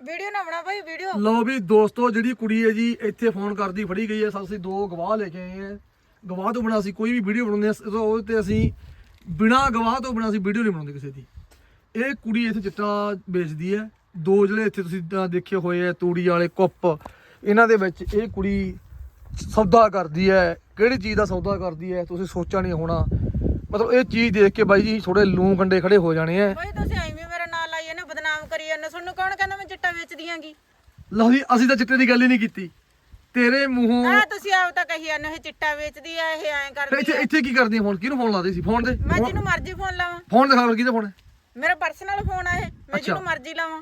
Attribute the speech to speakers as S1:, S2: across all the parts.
S1: Video ਨਾ ਬਣਾ ਭਾਈ ਵੀਡੀਓ।
S2: ਲਓ ਵੀ ਦੋਸਤੋ, ਜਿਹੜੀ ਕੁੜੀ ਹੈ ਜੀ ਇੱਥੇ ਫੋਨ ਕਰਦੀ ਫੜੀ ਗਈ ਹੈ। ਅਸੀਂ 2 ਗਵਾਹ ਲੈ ਕੇ ਆਏ ਹਾਂ। ਗਵਾਹ ਤੋਂ ਬਿਨਾਂ ਅਸੀਂ ਕੋਈ ਵੀ ਵੀਡੀਓ ਬਣਾਉਂਦੇ ਹਾਂ ਉਹਦੇ ਤੇ ਅਸੀਂ ਬਿਨਾਂ ਗਵਾਹ ਤੋਂ ਬਿਨਾਂ ਅਸੀਂ ਵੀਡੀਓ ਨਹੀਂ ਬਣਾਉਂਦੇ ਕਿਸੇ ਦੀ। ਇਹ ਕੁੜੀ ਇੱਥੇ ਚਿੱਟਾ ਵੇਚਦੀ ਹੈ। 2 ਜਿਹੜੇ ਇੱਥੇ ਤੁਸੀਂ ਦੇਖੇ ਹੋਏ ਆ ਤੂੜੀ ਵਾਲੇ ਕੁੱਪ, ਇਹਨਾਂ ਦੇ ਵਿੱਚ ਇਹ ਕੁੜੀ ਸੌਦਾ ਕਰਦੀ ਹੈ। ਕਿਹੜੀ ਚੀਜ਼ ਦਾ ਸੌਦਾ ਕਰਦੀ ਹੈ ਤੁਸੀਂ ਸੋਚਿਆ ਨਹੀਂ ਹੋਣਾ। ਮਤਲਬ ਇਹ ਚੀਜ਼ ਦੇਖ ਕੇ ਬਾਈ ਜੀ ਥੋੜੇ ਲੂੰ ਕੰਡੇ ਖੜੇ ਹੋ ਜਾਣੇ ਆ।
S1: ਬਾਈ ਤੁਸੀਂ ਐਵੇਂ ਮੇਰਾ ਨਾਂ ਲਾਈ ਇਹਨੇ ਬਦਨਾਮ ਕਰੀ ਜਾਂਦੇ। ਤੁਹਾਨੂੰ ਕੌਣ ਕਹਿੰਦਾ ਮੈਂ ਚਿੱਟਾ ਵੇਚਦੀ ਆਂਗੀ?
S2: ਲਓ ਜੀ, ਅਸੀਂ ਤਾਂ ਚਿੱਟੇ ਦੀ ਗੱਲ ਹੀ ਨਹੀਂ ਕੀਤੀ। ਤੇਰੇ ਮੂੰਹੋਂ
S1: ਆ ਤੁਸੀਂ ਆਪ ਤਾਂ ਕਹੀ ਜਾਂਦੇ ਇਹ ਚਿੱਟਾ ਵੇਚਦੀ ਆ, ਇਹ ਐਂ ਕਰਦੀ
S2: ਇੱਥੇ
S1: ਆ।
S2: ਇੱਥੇ ਕੀ ਕਰਦੀ ਫੋਨ? ਕਿਹਨੂੰ ਫੋਨ ਲਾਦੇ ਸੀ? ਫੋਨ ਦੇ
S1: ਮੈਂ ਜਿਹਨੂੰ ਮਰਜ਼ੀ ਫੋਨ ਲਾਵਾਂ।
S2: ਫੋਨ ਦਿਖਾ ਫਿਰ ਕਿਹਦਾ ਫੋਨ ਹੈ।
S1: ਮੇਰਾ ਪਰਸਨਲ ਫੋਨ ਆ ਇਹ, ਮੈਂ ਜਿਹਨੂੰ ਮਰਜ਼ੀ ਲਾਵਾਂ।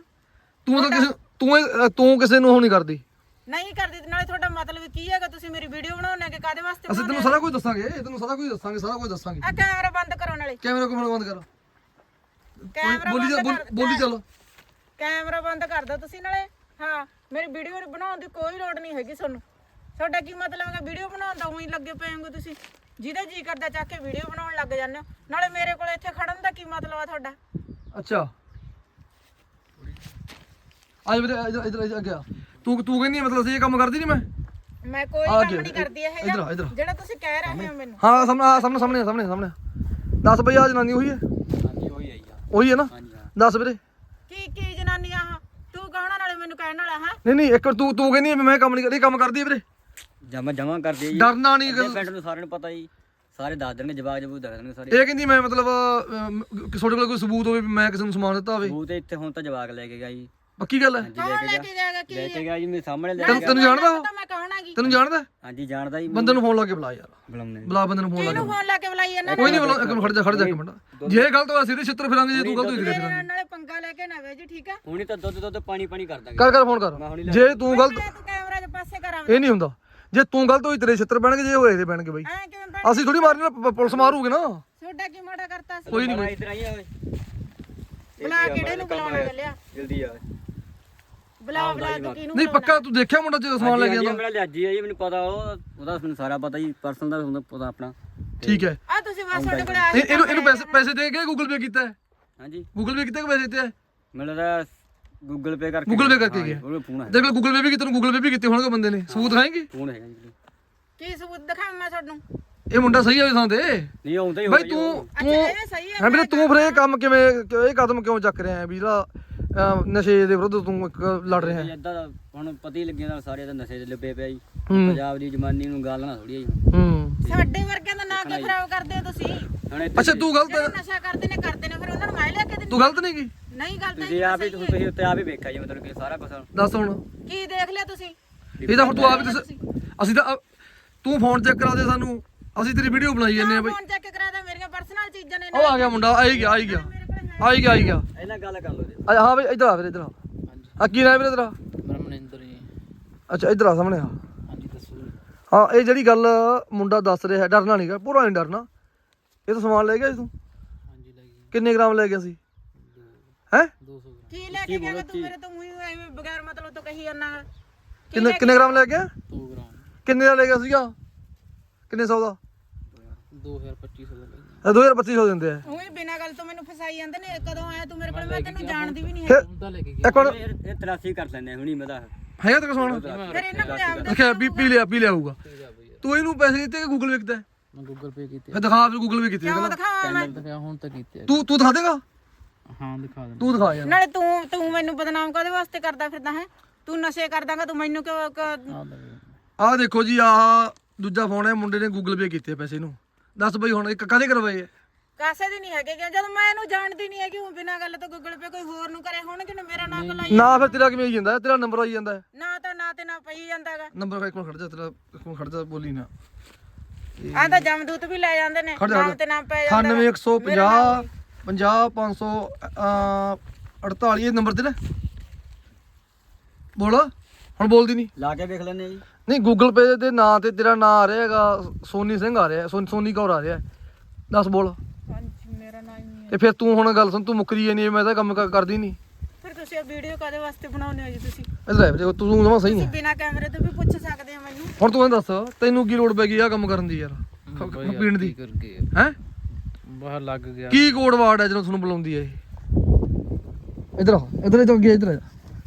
S2: ਤੂੰ ਕਿਸੇ ਨੂੰ ਉਹ ਨਹੀਂ ਕਰਦੀ।
S1: ਨਹੀਂ ਕਰਦੀ ਤੇ ਨਾਲੇ ਤੁਹਾਡਾ ਮਤਲਬ ਕੀ ਹੈਗਾ? ਤੁਸੀਂ ਮੇਰੀ ਵੀਡੀਓ ਬਣਾਉਣੇ ਕਿ ਕਾਦੇ ਵਾਸਤੇ
S2: ਅਸੀਂ ਤੈਨੂੰ ਸਾਰਾ ਕੁਝ ਦੱਸਾਂਗੇ, ਸਾਰਾ ਕੁਝ ਦੱਸਾਂਗੇ।
S1: ਆ ਕੈਮਰਾ ਬੰਦ ਕਰੋ ਨਾਲੇ।
S2: ਕੈਮਰਾ ਕੋਲ ਬੰਦ ਕਰ।
S1: ਕੈਮਰਾ
S2: ਬੋਲੀ ਚੱਲ।
S1: ਕੈਮਰਾ ਬੰਦ ਕਰ ਦਿਓ ਤੁਸੀਂ ਨਾਲੇ। ਹਾਂ, ਮੇਰੀ ਵੀਡੀਓ ਬਣਾਉਣ ਦੀ ਕੋਈ ਲੋੜ ਨਹੀਂ ਹੈਗੀ ਤੁਹਾਨੂੰ। ਤੁਹਾਡਾ ਕੀ ਮਤਲਬ ਹੈਗਾ ਵੀਡੀਓ ਬਣਾਉਣ ਦਾ? ਉਹੀ ਲੱਗੇ ਪਏ ਹੋ ਤੁਸੀਂ, ਜਿਹਦਾ ਜੀ ਕਰਦਾ ਚੱਕ ਕੇ ਵੀਡੀਓ ਬਣਾਉਣ ਲੱਗ ਜਾਂਦੇ ਹੋ। ਨਾਲੇ ਮੇਰੇ ਕੋਲ ਇੱਥੇ ਖੜਨ ਦਾ ਕੀ ਮਤਲਬ ਆ ਤੁਹਾਡਾ?
S2: ਅੱਛਾ ਅੱਜ ਵੀਰੇ ਇਧਰ ਅੱਗੇ ਆ। ਤੂੰ ਕਹਿੰਦੀ ਮਤਲਬ ਅਸੀਂ ਇਹ ਕੰਮ ਕਰਦੀ ਨਹੀਂ।
S1: ਮੈਂ ਕੋਈ ਕੰਮ ਨਹੀਂ ਕਰਦੀ ਇਹ
S2: ਇੱਧਰ
S1: ਜਿਹੜਾ ਤੁਸੀਂ ਕਹਿ ਰਹੇ ਹੋ ਮੈਨੂੰ।
S2: ਹਾਂ ਸਾਹਮਣੇ ਦੱਸ ਬਈ, ਆ ਜਨਾਨੀ ਉਹੀ ਹੈ?
S3: ਹਾਂਜੀ
S2: ਉਹੀ ਹੈ ਨਾ? ਦੱਸ ਵੀਰੇ
S1: ਕੀ ਜਨਾਨੀ ਆ? ਤੂੰ ਕਹਣਾ ਨਾਲੇ ਮੈਨੂੰ ਕਹਿਣ ਵਾਲਾ ਹੈ?
S2: ਨਹੀਂ ਇੱਕ ਵਾਰ ਤੂੰ ਕਹਿੰਦੀ ਮੈਂ ਕੰਮ ਨਹੀਂ ਕਰਦੀ। ਕੰਮ ਕਰਦੀ ਹੈ ਵੀਰੇ?
S3: ਜਮਾ ਕਰਦੀ ਹੈ ਜੀ।
S2: ਡਰਨਾ ਨਹੀਂ।
S3: ਪਿੰਡ ਨੂੰ ਸਾਰਿਆਂ ਨੂੰ ਪਤਾ ਜੀ, ਸਾਰੇ ਦੱਸ ਦੇਣਗੇ, ਜਵਾਬ ਦੱਸ ਦੇਣਗੇ ਸਾਰੇ।
S2: ਇਹ ਕਹਿੰਦੀ ਮੈਂ ਮਤਲਬ ਤੁਹਾਡੇ ਕੋਲ ਕੋਈ ਸਬੂਤ ਹੋਵੇ ਵੀ ਮੈਂ ਕਿਸੇ ਨੂੰ ਸਮਾਨ ਦਿੱਤਾ ਹੋਵੇ?
S3: ਸਬੂਤ ਇੱਥੇ ਹੁਣ ਤਾਂ ਜਵਾਬ ਲੈ ਕੇ ਗਿਆ ਜੀ।
S2: ਪੱਕੀ ਗੱਲ ਹੈ?
S1: ਕੌਣ ਲੈ ਕੇ ਜਾਏਗਾ? ਕੀ
S3: ਲੈ ਕੇ ਗਿਆ ਜੀ, ਮੇਰੇ ਸਾਹਮਣੇ ਲੈ
S2: ਤੈਨੂੰ ਜਾਣਦਾ ਉਹ?
S1: ਮੈਂ ਕਹਣਾ ਕੀ?
S2: ਤੈਨੂੰ ਜਾਣਦਾ?
S3: ਹਾਂਜੀ ਜਾਣਦਾ ਜੀ।
S2: ਬੰਦੇ ਨੂੰ ਫੋਨ ਲਾ ਕੇ ਬੁਲਾ ਯਾਰ।
S3: ਬੁਲਾਉਂਦੇ
S2: ਬੰਦੇ ਨੂੰ ਫੋਨ ਲਾ ਕੇ।
S1: ਕਿਹਨੂੰ ਫੋਨ ਲਾ ਕੇ ਬੁਲਾਈ ਇਹਨਾਂ
S2: ਕੋਈ ਨਹੀਂ ਬੁਲਾ। ਖੜ ਜਾ ਇੱਕ ਮਿੰਟ। ਜੇ ਗਲਤ ਹੋਇਆ ਸਿੱਧੇ ਛਿੱਤਰ ਫਿਰਾਂਗੇ। ਜੇ ਤੂੰ ਗਲਤ ਹੋਈ ਸਿੱਧੇ ਫਿਰਾਂਗੇ।
S1: ਨਾਲੇ ਪੰਗਾ ਲੈ ਕੇ ਨਾ ਵੇ ਜੀ, ਠੀਕ ਆ?
S3: ਹੁਣੀ ਤਾਂ ਦੁੱਧ ਪਾਣੀ ਕਰ ਦਾਂਗੇ।
S2: ਕਰ ਫੋਨ ਕਰ। ਜੇ ਤੂੰ ਗਲਤ,
S1: ਤੂੰ ਕੈਮਰਾ ਦੇ ਪਾਸੇ ਕਰਾਂ।
S2: ਇਹ ਨਹੀਂ ਹੁੰਦਾ। ਜੇ ਤੂੰ ਗਲਤ ਹੋਈ ਤੇਰੇ ਛਿੱਤਰ ਪੈਣਗੇ, ਜੇ ਹੋਏ ਤੇ ਪੈਣਗੇ ਬਾਈ।
S1: ਐ ਕਿਵੇਂ
S2: ਅਸੀਂ ਥੋੜੀ ਮਾਰਨੀ ਨਾ, ਪੁਲਿਸ ਮਾਰੂਗੇ ਨਾ।
S1: ਛੋਟਾ ਕੀ ਮਾੜਾ ਕਰਤਾ ਸੀ?
S2: ਕੋਈ ਨਹੀਂ
S3: ਇੱਧਰ ਆਈ ਓਏ।
S1: ਬੁਲਾ ਕਿਹੜੇ ਨੂੰ ਬੁਲਾਉਣਾ ਚੱਲਿਆ?
S3: ਜਲਦੀ ਆ।
S1: ਬੁਲਾ ਤੂੰ ਕਿਹਨੂੰ?
S2: ਨਹੀਂ ਪੱਕਾ ਤੂੰ ਦੇਖਿਆ ਮੁੰਡਾ ਜਦੋਂ ਸਮਾਨ ਲੈ ਕੇ ਆਉਂਦਾ?
S3: ਮੇਰਾ ਲਿਆਜੀ ਆ ਜੀ, ਮੈਨੂੰ ਪਤਾ ਉਹਦਾ ਮੈਨੂੰ ਸਾਰਾ ਪਤਾ ਜੀ। ਪਰਸਨਲ ਦਾ ਹੁੰਦਾ ਪਤਾ ਆਪਣਾ।
S2: ਠੀਕ ਹੈ।
S1: ਆ ਤੁਸੀਂ ਬਸ ਤੁਹਾਡੇ ਕੋਲ ਆਏ।
S2: ਇਹਨੂੰ ਪੈਸੇ ਦੇ ਕੇ ਗੂਗਲ ਪੇ ਕੀਤਾ ਹੈ?
S3: ਹਾਂਜੀ
S2: ਗੂਗਲ ਪੇ ਕੀਤਾ ਕਿ ਪੈਸੇ ਦਿੱਤੇ ਹੈ?
S3: ਮੈਨੂੰ ਤਾਂ ਗੂਗਲ ਪੇ ਕਰਕੇ
S2: ਗਿਆ।
S3: ਉਹਦਾ ਫੋਨ ਹੈ।
S2: ਦੇਖ ਲੈ ਗੂਗਲ ਪੇ ਵੀ ਕੀਤਾ, ਗੂਗਲ ਪੇ ਵੀ ਕੀਤੇ ਹੋਣਗੇ ਬੰਦੇ ਨੇ। ਸਬੂਤ ਖਾਏਂਗੇ?
S3: ਫੋਨ ਹੈਗਾ ਜੀ।
S1: ਕੀ ਸਬੂਤ ਦਿਖਾਵਾਂ ਮੈਂ ਤੁਹਾਨੂੰ?
S2: ਇਹ ਮੁੰਡਾ ਸਹੀ ਹੈ ਥਾਂ ਤੇ?
S3: ਨਹੀਂ ਆਉਂਦਾ ਹੀ
S2: ਬਾਈ
S1: ਅੱਛਾ ਇਹ ਸਹੀ ਹੈ।
S2: ਹੈ ਵੀਰੇ, ਤੂੰ ਫਿਰ ਇਹ ਕੰਮ ਕਿਵੇਂ, ਇਹ ਕਦਮ ਕਿਉਂ ਚੱਕ ਰਿਹਾ ਹੈ ਵੀ ਜਿਹੜਾ ਨਸ਼ੇ ਦੇ ਵਿਰੁੱਧ ਤੂੰ ਇੱਕ ਲੜ ਰਿਹਾ ਹੈ?
S3: ਇਦਾਂ ਹੁਣ ਪਤਾ ਹੀ ਲੱਗਿਆ ਨਾਲ ਸਾਰੇ ਤਾਂ ਨਸ਼ੇ ਦੇ ਲੱਭੇ ਪਿਆ ਜੀ। ਪੰਜਾਬ ਦੀ ਜਮਾਨੀ ਨੂੰ ਗੱਲ ਨਾ ਥੋੜੀ ਜੀ।
S1: ਸਾਡੇ ਵਰਗਿਆਂ ਦਾ ਨਾਂ ਕਿਉਂ ਖਰਾਬ ਕਰਦੇ ਹੋ ਤੁਸੀਂ?
S3: ਹੁਣ
S2: ਅੱਛਾ ਤੂੰ ਗਲਤ
S1: ਜਿਹੜੇ ਨਸ਼ਾ ਕਰਦੇ ਨੇ ਫਿਰ ਉਹਨਾਂ ਨੂੰ ਮੈਂ ਲਿਆ ਕੇ ਦਿੰਦੀ।
S2: ਤੂੰ ਗਲਤ ਨਹੀਂ ਕੀ?
S1: ਨਹੀਂ ਗਲਤ ਹੈ।
S3: ਤੁਸੀਂ ਆਪ ਹੀ ਤੁਸੀਂ ਉੱਤੇ ਆਪ ਹੀ ਵੇਖਿਆ ਜੀ, ਮਤਲਬ ਕਿ ਸਾਰਾ ਕੁਝ।
S2: ਦੱਸ ਹੁਣ।
S1: ਕੀ ਦੇਖ ਲਿਆ ਤੁਸੀਂ?
S2: ਇਹ ਤਾਂ ਹੁਣ ਤੂੰ ਆਪ ਹੀ ਦੱਸ। ਅਸੀਂ ਤਾਂ ਤੂੰ ਫੋਨ ਚੈੱਕ ਕਰਾ ਦੇ ਸਾਨੂੰ, ਅਸੀਂ ਤੇਰੀ ਵੀਡੀਓ ਬਣਾਈ ਜਾਂਦੇ ਆ ਬਾਈ।
S1: ਫੋਨ ਚੈੱਕ ਕਰਾ ਦੇ, ਮੇਰੀਆਂ ਪਰਸਨਲ ਚੀਜ਼ਾਂ ਨੇ।
S2: ਉਹ ਆ ਗਿਆ ਮੁੰਡਾ, ਆਈ ਗਿਆ।
S3: ਇਹਨਾਂ ਗੱਲ ਕਰ ਲਓ ਜੀ।
S2: ਹਾਂ ਬਈ ਇੱਧਰ ਆ ਫਿਰ, ਇੱਧਰ ਆ। ਆ ਕੀ ਨਾਮ ਵੀਰੇ ਤੇਰਾ?
S4: ਮਨਿੰਦਰ ਜੀ।
S2: ਅੱਛਾ ਇੱਧਰ ਆ ਸਾਹਮਣੇ ਆ।
S4: ਹਾਂਜੀ ਦੱਸੋ ਜੀ।
S2: ਹਾਂ ਇਹ ਜਿਹੜੀ ਗੱਲ ਮੁੰਡਾ ਦੱਸ ਰਿਹਾ, ਡਰਨਾ ਨਹੀਂਗਾ, ਪੂਰਾ ਨਹੀਂ ਡਰਨਾ। ਇਹ ਤਾਂ ਸਮਾਨ ਲੈ ਗਿਆ ਸੀ ਤੂੰ?
S4: ਹਾਂਜੀ ਲੈ ਗਈ
S2: ਕਿੰਨੇ ਗ੍ਰਾਮ ਲੈ ਗਿਆ ਸੀ? ਹੈ
S4: 200 ਗ੍ਰਾਮ।
S1: ਕੀ ਲੈ ਕੇ ਗਿਆ ਤੂੰ? ਮੇਰੇ ਤੋਂ ਮੂੰਹ ਐਵੇਂ ਬਗੈਰ ਮਤਲਬ ਤੋਂ ਕਹੀ ਜਾਂਦਾ।
S2: ਕਿੰਨੇ ਗ੍ਰਾਮ ਲੈ ਗਿਆ?
S4: 2 ਗ੍ਰਾਮ।
S2: ਕਿੰਨੇ ਦਾ ਲੈ ਗਿਆ ਸੀਗਾ? ਕਿੰਨੇ 100 ਦਾ?
S4: 2250 ਦਾ ਲੈ ਗਈ।
S2: 2250 ਦਿੰਦੇ ਆ।
S1: ਉਹੀ ਬਿਨਾਂ ਗੱਲ ਤੋਂ ਮੈਨੂੰ ਫਸਾਈ ਜਾਂਦੇ ਨੇ। ਕਦੋਂ ਆਇਆ ਤੂੰ ਮੇਰੇ ਕੋਲ? ਮੈਂ ਤੈਨੂੰ ਜਾਣਦੀ ਵੀ ਨਹੀਂ
S2: ਫਿਰ
S4: ਉਹਦਾ ਲੈ ਕੇ ਗਿਆ।
S2: ਇੱਕ ਮਿੰਟ,
S3: ਇਹ 83 ਕਰ ਲੈਂਦੇ ਹੁਣੀ ਮੈਂ ਤਾਂ।
S2: ਹੈਗਾ ਤੇਰਾ ਸਮਾਨ?
S1: ਫਿਰ ਇਹਨਾਂ ਕੋਲ ਆਪ
S2: ਦੇਖਿਆ ਪੀ ਲਿਆ ਹੋਊਗਾ। ਤੂੰ ਇਹਨੂੰ ਪੈਸੇ ਦਿੱਤੇ ਕਿ ਗੂਗਲ ਪੇ ਕੀਤਾ?
S4: ਮੈਂ ਗੂਗਲ ਪੇ ਕੀਤੇ।
S2: ਫਿਰ ਦਿਖਾ ਵੀ ਗੂਗਲ ਪੇ ਕੀਤੀ
S1: ਕਿਉਂ ਦਿਖਾਵਾਂ ਮੈਂ?
S4: ਦਿਖਾ ਹੁਣ ਤਾਂ ਕੀਤੇ।
S2: ਤੂੰ ਦਿਖਾ ਦੇਗਾ?
S4: ਹਾਂ ਦਿਖਾ ਦੇ।
S2: ਤੂੰ ਦਿਖਾ ਯਾਰ।
S1: ਨਾਲੇ ਤੂੰ ਮੈਨੂੰ ਬਦਨਾਮ ਕਾਹਦੇ ਵਾਸਤੇ ਕਰਦਾ ਫਿਰਦਾ ਹੈ? ਤੂੰ ਨਸ਼ੇ ਕਰਦਾਗਾ, ਤੂੰ ਮੈਨੂੰ ਕਿਉਂ?
S2: ਆਹ ਦੇਖੋ ਜੀ, ਆਹ ਦੂਜਾ ਫੋਨ ਹੈ, ਮੁੰਡੇ ਨੇ ਗੂਗਲ ਪੇ ਕੀਤੇ ਪੈਸੇ ਨੂੰ। ਦੱਸ ਬਈ ਹੁਣ ਇੱਕ ਕਾਹਦੇ ਕਰਵਾਏ?
S1: ਕਾਸੇ ਦੀ ਨਹੀਂ ਹੈਗੇ ਜਦੋਂ ਮੈਂ ਇਹਨੂੰ ਜਾਣਦੀ ਨਹੀਂ ਹੈਗੀ। ਉਹ ਬਿਨਾਂ ਗੱਲ ਤੋਂ ਗੂਗਲ ਪੇ ਕੋਈ ਹੋਰ ਨੂੰ ਕਰੇ ਹੋਣਗੇ ਨਾ, ਮੇਰਾ ਨਾਂ ਲਾਈ
S2: ਨਾ ਫਿਰ ਤੇਰਾ ਕਿਵੇਂ ਆਈ ਜਾਂਦਾ? ਤੇਰਾ ਨੰਬਰ ਆਈ ਜਾਂਦਾ
S1: ਨਾ ਤਾਂ ਨਾ ਤੇ ਨਾ ਪਈ ਜਾਂਦਾਗਾ।
S2: ਨੰਬਰ ਇੱਕ ਮਿੰਟ ਖੜ ਜਾ, ਤੇਰਾ ਇੱਕ ਮਿੰਟ ਖੜ ਜਾ, ਬੋਲੀ ਨਾ।
S1: ਆਹ ਤਾਂ ਜਮਦੂਤ ਵੀ ਲੈ ਜਾਂਦੇ ਨੇ, ਨਾਮ ਤੇ ਨਾਮ ਪੈ ਜਾਂਦਾ।
S2: 9150 50 548 ਇਹ ਨੰਬਰ ਤੇ ਨਾ ਬੋਲ। ਹੁਣ ਬੋਲਦੀ ਨਹੀਂ?
S3: ਲਾ ਕੇ ਵੇਖ ਲੈਣੇ ਜੀ।
S2: ਨਹੀਂ ਗੂਗਲ ਪੇ ਦੇ ਨਾਂ ਤੇ ਤੇਰਾ ਨਾਂ ਆ ਰਿਹਾ ਹੈਗਾ, ਸੋਨੀ ਸਿੰਘ ਆ ਰਿਹਾ, ਸੋਨੀ ਕੌਰ ਆ ਰਿਹਾ। ਦੱਸ ਬੋਲ।
S1: ਹਾਂਜੀ ਮੇਰਾ ਨਾਮ ਹੀ ਨਹੀਂ ਹੈ।
S2: ਤੇ ਫਿਰ ਤੂੰ ਹੁਣ ਗੱਲ ਸੁਣ, ਤੂੰ ਮੁੱਕਰੀ ਜਾਨੀ, ਮੈਂ ਤਾਂ ਕੰਮ ਕਰਦੀ ਨਹੀਂ।
S1: ਫਿਰ ਤੁਸੀਂ ਇਹ ਵੀਡੀਓ ਕਾਦੇ ਵਾਸਤੇ ਬਣਾਉਂਦੇ ਹੋ ਜੀ? ਤੁਸੀਂ
S2: ਇਧਰ ਆ ਵੀਰੇ, ਤੂੰ ਜਮਾ ਸਹੀ ਨਹੀਂ।
S1: ਬਿਨਾਂ ਕੈਮਰੇ ਤੋਂ ਵੀ ਪੁੱਛ ਸਕਦੇ ਆ ਮੈਨੂੰ।
S2: ਹੁਣ ਤੂੰ ਇਹ ਦੱਸ, ਤੈਨੂੰ ਕੀ ਲੋੜ ਪੈ ਗਈ ਆ ਕੰਮ ਕਰਨ ਦੀ ਯਾਰ, ਪੀਣ ਦੀ?
S4: ਕਰਕੇ
S2: ਹੈ
S4: ਬਾਹਰ ਲੱਗ ਗਿਆ।
S2: ਕੀ ਕੋਡ ਵਾਰਡ ਹੈ ਜਦੋਂ ਤੁਹਾਨੂੰ ਬੁਲਾਉਂਦੀ ਹੈ ਇਹ? ਇਧਰ ਆ, ਇਧਰ ਗਿਆ, ਇਧਰ ਆ।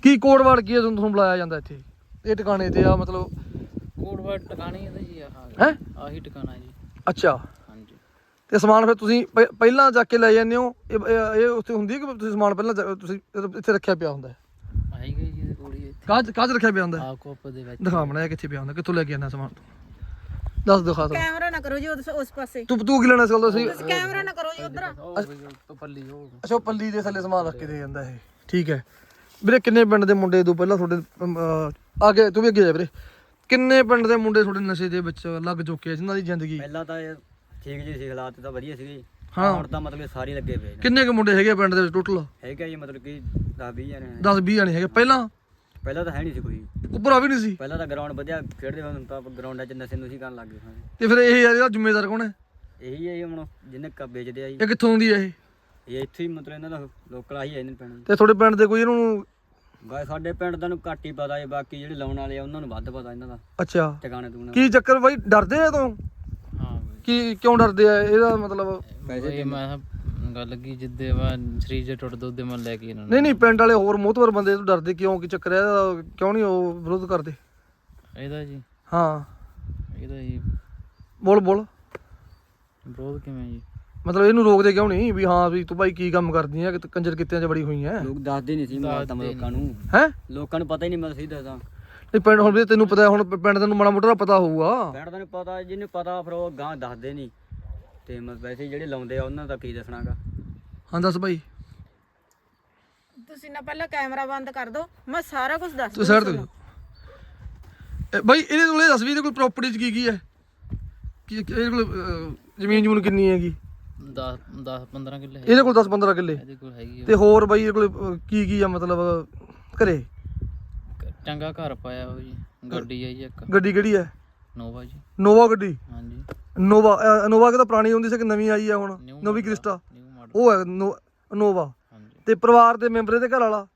S2: ਕੀ ਕੋਡ ਵਰਡ ਕੀ ਹੈ ਤੁਹਾਨੂੰ ਬੁਲਾਇਆ ਜਾਂਦਾ ਇੱਥੇ ਇਹ ਟਿਕਾਣੇ ਤੇ ਆ ਮਤਲਬ
S4: ਕੋਟਵਾ ਟਿਕਾਣੀ ਇਹਦਾ ਜੀ
S2: ਹੈ
S4: ਆਹੀ ਟਿਕਾਣਾ ਜੀ।
S2: ਅੱਛਾ
S4: ਹਾਂਜੀ
S2: ਤੇ ਸਮਾਨ ਫਿਰ ਤੁਸੀਂ ਪਹਿਲਾਂ ਜਾ ਕੇ ਲੈ ਜਾਂਦੇ ਹੋ ਇਹ ਉੱਥੇ ਹੁੰਦੀ ਹੈ ਕਿ ਤੁਸੀਂ ਸਮਾਨ ਪਹਿਲਾਂ ਤੁਸੀਂ ਇੱਥੇ ਰੱਖਿਆ ਪਿਆ ਹੁੰਦਾ ਹੈ
S4: ਆਹੀ ਗਈ ਜੀ ਇਹਦੇ ਕੋਲ ਹੀ ਇੱਥੇ
S2: ਕਾਜ ਰੱਖਿਆ ਪਿਆ ਹੁੰਦਾ ਹੈ?
S4: ਆ ਕੋਪ ਦੇ ਵਿੱਚ
S2: ਦਿਖਾ ਬਣਾਇਆ ਕਿੱਥੇ ਪਿਆ ਹੁੰਦਾ ਕਿੱਥੋਂ ਲੈ ਕੇ ਆਣਾ ਸਮਾਨ ਦੱਸ ਦਿਖਾ ਤਾ
S1: ਕੈਮਰਾ ਨਾ ਕਰੋ ਜੀ ਉਸ ਪਾਸੇ,
S2: ਤੂੰ ਕੀ ਲੈਣਾ ਇਸ ਗੱਲ ਦਾ ਸੀ
S1: ਤੁਸੀਂ ਕੈਮਰਾ ਨਾ ਕਰੋ ਜੀ ਉਧਰ।
S4: ਤੋਂ ਪੱਲੀ ਉਹ
S2: ਅੱਛਾ ਉਹ ਪੱਲੀ ਦੇ ਥੱਲੇ ਸਮਾਨ ਰੱਖ ਕੇ ਦੇ ਜਾਂਦਾ ਇਹ ਠੀਕ ਹੈ ਵੀਰੇ। ਕਿੰਨੇ ਪਿੰਡ ਦੇ ਮੁੰਡੇ ਤੋਂ ਪਹਿਲਾਂ ਤੁਹਾਡੇ ਅੱਗੇ ਤੂੰ ਵੀ ਅੱਗੇ ਜਾ ਵੀਰੇ, ਕਿੰਨੇ ਪਿੰਡ ਦੇ ਮੁੰਡੇ ਤੁਹਾਡੇ ਨਸ਼ੇ ਦੇ ਵਿੱਚ ਲੱਗ ਚੁੱਕੇ ਆ ਜਿਨ੍ਹਾਂ ਦੀ ਜ਼ਿੰਦਗੀ
S3: ਪਹਿਲਾਂ ਤਾਂ ਇਹ ਠੀਕ ਜੀ ਸੀ, ਹਾਲਾਤ ਤਾਂ ਵਧੀਆ ਸੀਗੇ।
S2: ਹਾਂ।
S3: ਹੁਣ ਤਾਂ ਮਤਲਬ ਸਾਰੇ ਲੱਗੇ ਪਏ ਨੇ।
S2: ਕਿੰਨੇ ਕੁ ਮੁੰਡੇ ਹੈਗੇ ਆ ਪਿੰਡ ਦੇ ਵਿੱਚ ਟੋਟਲ?
S3: ਹੈਗਾ ਜੀ ਮਤਲਬ ਕਿ 10-20 ਜਣੇ ਨੇ।
S2: 10-20 ਜਾਣੇ ਹੈਗੇ। ਪਹਿਲਾਂ
S3: ਪਹਿਲਾਂ ਤਾਂ ਹੈ ਨਹੀਂ ਸੀ ਕੋਈ,
S2: ਉੱਪਰ ਵੀ ਨਹੀਂ ਸੀ
S3: ਪਹਿਲਾਂ ਤਾਂ ਗਰਾਊਂਡ ਵਧੀਆ ਖੇਡਦੇ ਹੁਣ ਤਾਂ ਗਰਾਊਂਡਾਂ 'ਚ ਨਸ਼ੇ ਨੂਸ਼ੀ ਕਰਨ ਲੱਗ ਗਏ ਸਾਰੇ।
S2: ਤੇ ਫਿਰ ਇਹ ਯਾਰ ਇਹਦਾ ਜ਼ਿੰਮੇਦਾਰ ਕੌਣ ਹੈ?
S3: ਇਹੀ ਹੈ ਜੀ ਹੁਣ ਜਿਹਨੇ ਵੇਚਦੇ ਆ ਜੀ,
S2: ਇਹ ਕਿੱਥੋਂ ਆਉਂਦੀ ਹੈ ਇਹ?
S3: ਇਹ ਇੱਥੇ ਹੀ ਮਤਲਬ ਇਹਨਾਂ ਦਾ ਲੋਕਲ ਆਹੀ ਹੈ ਇਹਨਾਂ ਪੈਣਾ।
S2: ਤੇ ਤੁਹਾਡੇ ਪਿੰਡ ਦੇ ਕੋਈ ਇਹਨੂੰ
S3: ਬਾਈ ਸਾਡੇ ਪਿੰਡ ਦਾ ਨੂੰ ਘੱਟ ਹੀ ਪਤਾ ਹੈ, ਬਾਕੀ ਜਿਹੜੇ ਲਾਉਣ ਵਾਲੇ ਆ ਉਹਨਾਂ ਨੂੰ ਵੱਧ ਪਤਾ ਇਹਨਾਂ ਦਾ
S2: ਅੱਛਾ
S3: ਟਿਕਾਣੇ ਟੂਣਾ।
S2: ਕੀ ਚੱਕਰ ਬਾਈ ਡਰਦੇ ਆ ਤੋਂ?
S4: ਹਾਂ
S2: ਕੀ ਕਿਉਂ ਡਰਦੇ ਆ ਇਹਦਾ ਮਤਲਬ?
S4: ਪੈਸੇ ਮੈਂ ਗੱਲ ਲੱਗੀ ਜਿੱਦੇ ਵਾ ਸਰੀਰ ਜੇ ਟੁੱਟ ਦੁੱਧ ਦੇ ਮੈਂ ਲੈ ਕੇ ਇਹਨਾਂ ਨੂੰ
S2: ਨਹੀਂ ਨਹੀਂ ਪਿੰਡ ਵਾਲੇ ਹੋਰ ਮੋਹਤਵਰ ਬੰਦੇ ਤੋਂ ਡਰਦੇ ਕਿਉਂ? ਕੀ ਚੱਕਰ ਹੈ ਇਹਦਾ? ਕਿਉਂ ਨਹੀਂ ਉਹ ਵਿਰੋਧ ਕਰਦੇ?
S4: ਇਹਦਾ ਜੀ
S2: ਹਾਂ
S4: ਇਹਦਾ ਜੀ
S2: ਬੋਲ
S4: ਵਿਰੋਧ ਕਿਵੇਂ ਜੀ?
S2: ਮਤਲਬ ਇਹਨੂੰ ਰੋਕਦੇ ਕਿਉਂ ਨਹੀਂ ਵੀ ਹਾਂ ਵੀ ਤੂੰ ਭਾਈ ਕੀ ਕੰਮ ਕਰਦੀ ਆ ਕਿ ਕੰਜਰ ਕਿੱਤਿਆਂ 'ਚ ਬੜੀ ਹੋਈ ਹੈ
S3: ਲੋਕ ਦੱਸਦੇ ਨਹੀਂ ਸੀ ਮੈਂ ਤਾਂ ਲੋਕਾਂ ਨੂੰ,
S2: ਹੈ?
S3: ਲੋਕਾਂ ਨੂੰ ਪਤਾ ਹੀ ਨਹੀਂ ਮੈਂ ਸਹੀ ਦੱਸਾਂ।
S2: ਨਹੀਂ ਪਿੰਡ ਹੁਣ ਵੀ ਤੈਨੂੰ ਪਤਾ ਹੁਣ ਪਿੰਡ ਤੈਨੂੰ ਮਾੜਾ ਮੋਟਾ ਪਤਾ ਹੋਊਗਾ।
S3: ਪਿੰਡ ਦਾ ਨੂੰ ਪਤਾ, ਜਿਹਨੂੰ ਪਤਾ ਫਿਰ ਉਹ ਗਾਂ ਦੱਸਦੇ ਨਹੀਂ। ਤੇ ਮੈਂ ਵੈਸੇ ਜਿਹੜੇ ਲਾਉਂਦੇ ਆ ਉਹਨਾਂ ਦਾ ਕੀ ਦੱਸਣਾਗਾ।
S2: ਹਾਂ ਦੱਸ ਭਾਈ।
S1: ਤੁਸੀਂ ਨਾ ਪਹਿਲਾਂ ਕੈਮਰਾ ਬੰਦ ਕਰ ਦਿਓ, ਮੈਂ ਸਾਰਾ ਕੁਝ ਦੱਸ
S2: ਤੂੰ ਸਾਈਡ ਤੇ ਭਾਈ ਇਹਦੇ ਕੋਲ ਇਹ ਦੱਸ ਵੀ ਇਹਦੇ ਕੋਲ ਪ੍ਰਾਪਰਟੀ 'ਚ ਕੀ ਹੈ? ਕੀ ਇਹਦੇ ਕੋਲ ਜ਼ਮੀਨ ਜਮੂਨ ਕਿੰਨੀ ਹੈਗੀ?
S4: 10-15 ਕਿੱਲੇ
S2: ਇਹਦੇ ਕੋਲ 10-15 ਕਿੱਲੇ
S4: ਇਹਦੇ ਕੋਲ ਹੈਗੀ ਆ।
S2: ਤੇ ਹੋਰ ਬਾਈ ਇਹਦੇ ਕੋਲ ਕੀ ਆ ਮਤਲਬ ਘਰੇ?
S4: ਚੰਗਾ ਘਰ ਪਾਇਆ ਉਹ ਜੀ, ਗੱਡੀ ਆ ਜੀ ਇੱਕ
S2: ਗੱਡੀ ਕਿਹੜੀ ਹੈ?
S4: ਨੋਵਾ ਜੀ।
S2: ਨੋਵਾ ਗੱਡੀ?
S4: ਹਾਂਜੀ
S2: ਨੋਵਾ ਕਿਹਦਾ ਪੁਰਾਣੀ ਹੁੰਦੀ ਸੀ ਕਿ ਨਵੀਂ ਆਈ ਆ ਹੁਣ? ਨਵੀਂ ਕ੍ਰਿਸਟਾ
S4: ਨਿਊ ਮਾਡਲ।
S2: ਉਹ ਹੈ ਨੋਵਾ।
S4: ਹਾਂਜੀ
S2: ਤੇ ਪਰਿਵਾਰ ਦੇ ਮੈਂਬਰ ਦੇ ਘਰ ਵਾਲਾ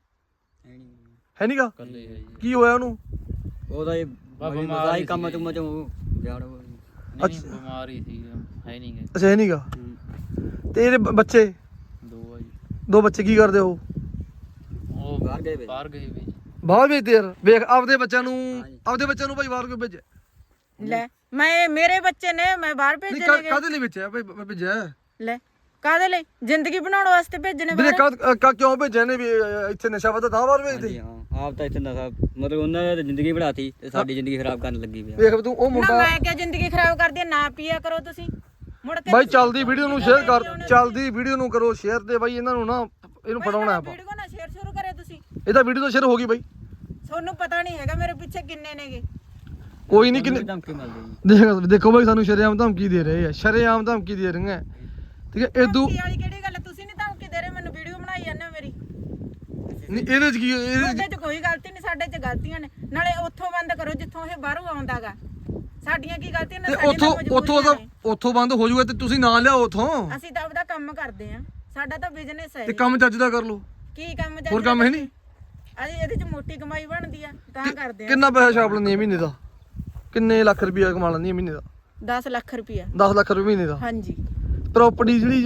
S2: ਹੈ ਨਹੀਂਗਾ?
S4: ਕੱਲੇ ਹੈ ਜੀ।
S2: ਕੀ ਹੋਇਆ ਉਹਨੂੰ?
S3: ਉਹਦਾ ਇਹ
S4: ਬਿਮਾਰ ਹੀ
S3: ਕੰਮ ਚੁੰਮ ਚੋਂ ਜਾੜ
S4: ਨਹੀਂ ਬਿਮਾਰ ਹੀ ਸੀ, ਹੈ ਨਹੀਂ ਗੇ।
S2: ਅੱਛਾ ਹੈ ਨਹੀਂਗਾ। ਤੇ ਇਹਦੇ ਬੱਚੇ?
S4: ਦੋ ਆ ਜੀ।
S2: ਦੋ ਬੱਚੇ ਕੀ ਕਰਦੇ ਉਹ?
S4: ਉਹ
S3: ਬਾਹਰ ਗਏ ਵੇ।
S4: ਬਾਹਰ ਗਏ ਵੀ ਜੀ।
S2: ਬਾਹਰ ਭੇਜਦੇ ਯਾਰ। ਵੇਖ ਆਪਦੇ ਬੱਚਿਆਂ ਨੂੰ ਭਾਈ ਬਾਹਰ ਕਿਉਂ ਭੇਜਿਆ?
S1: ਲੈ ਮੈਂ ਮੇਰੇ ਬੱਚੇ ਨੇ, ਮੈਂ ਬਾਹਰ
S2: ਨਹੀਂ
S1: ਭੇਜਣੇ ਨੇ।
S2: ਕਾਹਦੇ ਲਈ ਭੇਜਿਆ ਭਾਈ? ਭੇਜਿਆ
S1: ਲੈ ਕਾਹਦੇ ਲਈ? ਜ਼ਿੰਦਗੀ ਬਣਾਉਣ ਵਾਸਤੇ ਭੇਜਣੇ
S2: ਵੀਰੇ
S1: ਬਾਹਰ।
S2: ਕਿਉਂ ਭੇਜਿਆ ਨੇ ਵੀ ਇੱਥੇ ਨਸ਼ਾ ਵਧਦਾ ਤਾਂ ਬਾਹਰ ਭੇਜਦੇ?
S3: ਹਾਂ ਆਪ ਤਾਂ ਇੱਥੇ ਨਸ਼ਾ ਮਤਲਬ ਉਹਨਾਂ ਨੇ ਤਾਂ ਜ਼ਿੰਦਗੀ ਬਣਾਤੀ ਤੇ ਸਾਡੀ ਜ਼ਿੰਦਗੀ ਖਰਾਬ ਕਰਨ ਲੱਗੀ ਪਿਆ।
S2: ਵੇਖ ਤੂੰ ਉਹ
S1: ਨਾ
S2: ਮੁੰਡਾ
S1: ਮੈਂ ਕਿਹਾ ਜ਼ਿੰਦਗੀ ਖਰਾਬ ਕਰਦੀ ਆ, ਨਾ ਪੀਆ ਕਰੋ ਤੁਸੀਂ ਮੁੜ ਕੇ।
S2: ਬਾਈ ਚੱਲਦੀ ਵੀਡੀਓ ਨੂੰ ਸ਼ੇਅਰ ਕਰ, ਚੱਲਦੀ ਵੀਡੀਓ ਨੂੰ ਕਰੋ ਸ਼ੇਅਰ ਤੇ ਬਾਈ ਇਹਨਾਂ ਨੂੰ ਨਾ ਇਹਨੂੰ ਫੜਾਉਣਾ ਆਪਾਂ।
S1: ਵੀਡੀਓ ਨਾ ਸ਼ੇਅਰ ਸ਼ੁਰੂ ਕਰੇ ਤੁਸੀਂ।
S2: ਇਹਦਾ ਵੀਡੀਓ ਤਾਂ ਸ਼ੇਅਰ ਹੋ ਗਈ ਬਾਈ।
S1: ਤੁਹਾਨੂੰ ਪਤਾ ਨਹੀਂ ਹੈਗਾ ਮੇਰੇ ਪਿੱਛੇ ਕਿੰਨੇ ਨੇਗੇ।
S2: ਕੋਈ ਨਹੀਂ ਕਿੰਨੇ
S3: ਧਮਕੀ ਮਿਲਦੀ ਜੀ।
S2: ਦੇਖੋ ਬਾਈ ਸਾਨੂੰ ਸ਼ਰੇਆਮ ਧਮਕੀ ਦੇ ਰਹੇ ਆ, ਸ਼ਰੇਆਮ ਧਮਕੀ ਦੇ ਰਹੇ ਆ ਠੀਕ ਹੈ। ਇਦੋਂ
S1: ਧਮਕੀ ਵਾਲੀ ਕਿਹੜੀ ਗੱਲ ਹੈ? ਤੁਸੀਂ ਨਹੀਂ ਧਮਕੀ ਦੇ ਰਹੇ ਮੈਨੂੰ, ਵੀਡੀਓ ਬਣਾਈ ਜਾਂਦੇ ਹੋ ਮੇਰੀ।
S2: ਨਹੀਂ ਇਹਦੇ 'ਚ ਕੀ
S1: ਉਹਦੇ 'ਚ ਕੋਈ ਗਲਤੀ ਨਹੀਂ, ਸਾਡੇ 'ਚ ਗਲਤੀਆਂ ਨੇ। ਨਾਲੇ ਉੱਥੋਂ ਬੰਦ ਕਰੋ ਜਿੱਥੋਂ ਇਹ ਬਾਹਰੋਂ ਆਉਂਦਾਗਾ। ਸਾਡੀਆਂ ਕੀ ਗਲਤੀਆਂ ਨੇ?
S2: ਤੇ
S1: ਸਾਡੀਆਂ ਤਾਂ ਮਜਬੂਰੀਆਂ ਨੇ।
S2: ਉੱਥੋਂ ਬੰਦ ਹੋ ਜਾਊਗਾ ਤੇ ਤੁਸੀਂ ਨਾ ਲਿਆਓ ਉੱਥੋਂ।
S1: ਅਸੀਂ ਤਾਂ ਆਪਦਾ ਕੰਮ ਕਰਦੇ ਆਂ, ਸਾਡਾ ਤਾਂ ਬਿਜ਼ਨਸ ਹੈ
S2: ਤੇ
S1: ਇਹ।
S2: ਕੰਮ ਚੱਜ ਦਾ ਕਰ ਲਓ।
S1: ਕੀ ਕੰਮ ਚੱਲ
S2: ਹੋਰ ਕੰਮ ਹੈ ਨਹੀਂ?
S1: ਅਸੀਂ ਇਹਦੇ 'ਚ ਮੋਟੀ ਕਮਾਈ ਬਣਦੀ ਆ ਤਾਂ ਕਰਦੇ ਆਂ।
S2: ਕਿੰਨਾ ਪੈਸਾ ਛਾਪ ਲੈਂਦੀ ਹੈ ਮਹੀਨੇ ਦਾ? ਕਿੰਨੇ ਲੱਖ ਰੁਪਇਆ ਕਮਾ ਲੈਂਦੀ ਹੈ ਮਹੀਨੇ ਦਾ?
S1: 10 ਲੱਖ ਰੁਪਇਆ।
S2: 10 ਲੱਖ ਰੁਪਏ ਮਹੀਨੇ ਦਾ।
S1: ਹਾਂਜੀ।
S2: ਪ੍ਰਾਪਰਟੀ ਜਿਹੜੀ